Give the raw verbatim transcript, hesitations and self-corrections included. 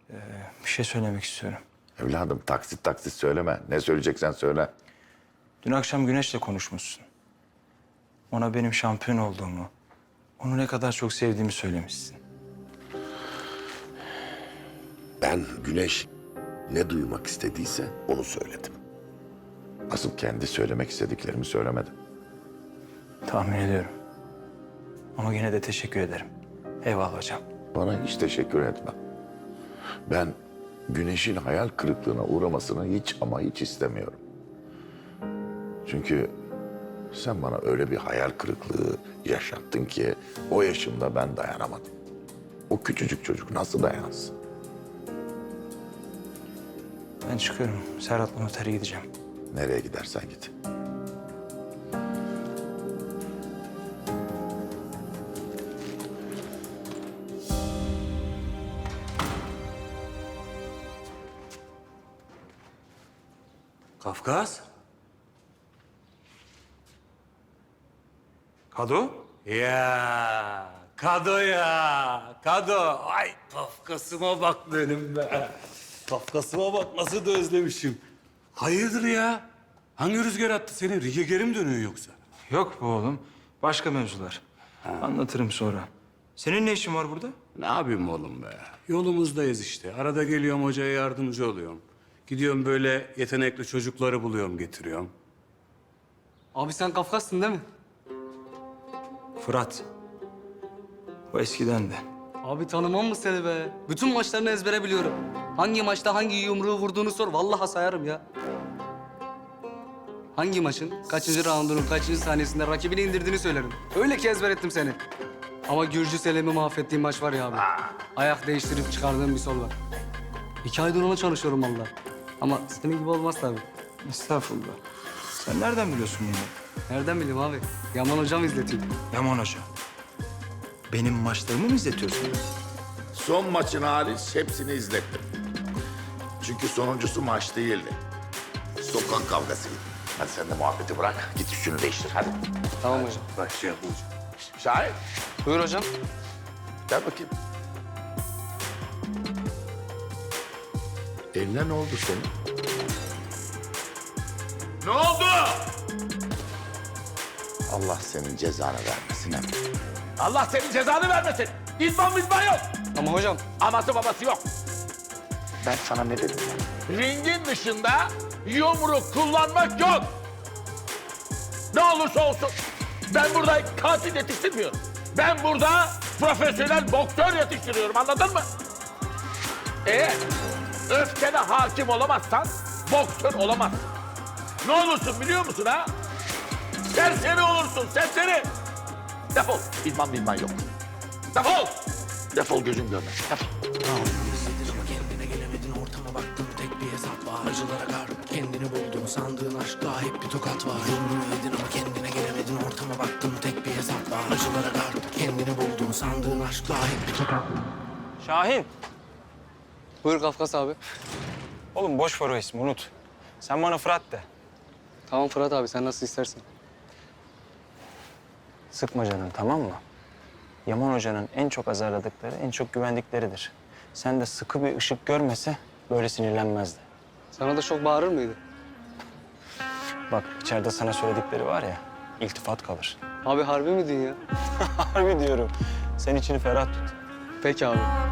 Bir şey söylemek istiyorum. Evladım taksit taksit söyleme. Ne söyleyeceksen söyle. Dün akşam Güneş'le konuşmuşsun. Ona benim şampiyon olduğumu, onu ne kadar çok sevdiğimi söylemişsin. Ben Güneş ne duymak istediyse onu söyledim. Asıl kendi söylemek istediklerimi söylemedim. Tahmin ediyorum. Ama yine de teşekkür ederim. Eyvallah hocam. Bana hiç teşekkür etme. Ben Güneş'in hayal kırıklığına uğramasını hiç ama hiç istemiyorum. Çünkü sen bana öyle bir hayal kırıklığı yaşattın ki o yaşımda ben dayanamadım. O küçücük çocuk nasıl dayansın? Ben çıkıyorum. Serhat'la notere gideceğim. Nereye gidersen git. Kafkas? Kado? Ya Kado ya Kado. Ay Kafkasıma bak benim be. Kafkasıma bak nasıl da özlemişim. Hayırdır ya? Hangi rüzgar attı seni? Rige geri mi dönüyor yoksa? Yok be oğlum. Başka mevzular. Anlatırım sonra. Senin ne işin var burada? Ne yapayım oğlum be? Yolumuzdayız işte. Arada geliyorum hocaya yardımcı oluyorum. Gidiyorum böyle yetenekli çocukları buluyorum getiriyorum. Abi sen Kafkas'sın değil mi? Fırat. O eskiden de. Abi tanımam mı seni be? Bütün maçlarını ezbere biliyorum. Hangi maçta hangi yumruğu vurduğunu sor. Vallahi sayarım ya. Hangi maçın, kaçıncı raundunun, kaçıncı saniyesinde rakibini indirdiğini söylerim. Öyle ki ezber ettim seni. Ama Gürcü Selim'i mahvettiğim maç var ya abi. Ayak değiştirip çıkardığım bir sol var. İki aydır ona çalışıyorum vallahi. Ama senin gibi olmaz tabii. Estağfurullah. Sen nereden biliyorsun bunu? Nereden bileyim abi? Yaman hocam izletiyor. Yaman Hoca. Benim maçlarımı mı izletiyorsun? Son maçın hariç hepsini izlettim. Çünkü sonuncusu maç değildi. Sokak kavgasıydı. Hadi sen de muhabbeti bırak. Git üstünü değiştir hadi. Tamam hocam. Başlayalım hocam. Şahin Buyur hocam. gel bakayım. Eline ne oldu senin? Ne oldu? Allah senin cezanı vermesin hem. Allah senin cezanı vermesin. İzman mizman yok. Ama hocam. Aması babası yok. Ben sana ne dedim? Ringin dışında yumruk kullanmak yok. Ne olursa olsun. Ben burada katil yetiştirmiyorum. Ben burada profesyonel boksör yetiştiriyorum, anladın mı? Eğer öfkene hakim olamazsan boksör olamazsın. Ne olursun biliyor musun ha? Serseri olursun, serseri. Defol. İzman bilman yok. Defol. Defol, gözüm görmez. Defol. Ama kendine gelemedin, ortama baktın, tek bir hesap var. Acılara kar, kendini buldun, sandığın aşkta hep bir tokat var. Yumruğu yedin ama kendine gelemedin, ortama baktın, tek bir hesap var. Acılara kar, kendini buldun, sandığın aşkta hep bir tokat var. Şahin. Buyur Kafkas abi. Oğlum boş ver o ismi, unut. Sen bana Fırat de. Tamam Fırat abi, sen nasıl istersen. Sıkma canını, tamam mı? Yaman Hoca'nın en çok azarladıkları, en çok güvendikleridir. Sen de sıkı bir ışık görmese böyle sinirlenmezdi. Sana da çok bağırır mıydı? Bak içeride sana söyledikleri var ya, iltifat kalır. Abi harbi mi diyorsun ya? Harbi diyorum. Sen içini ferah tut. Peki abi.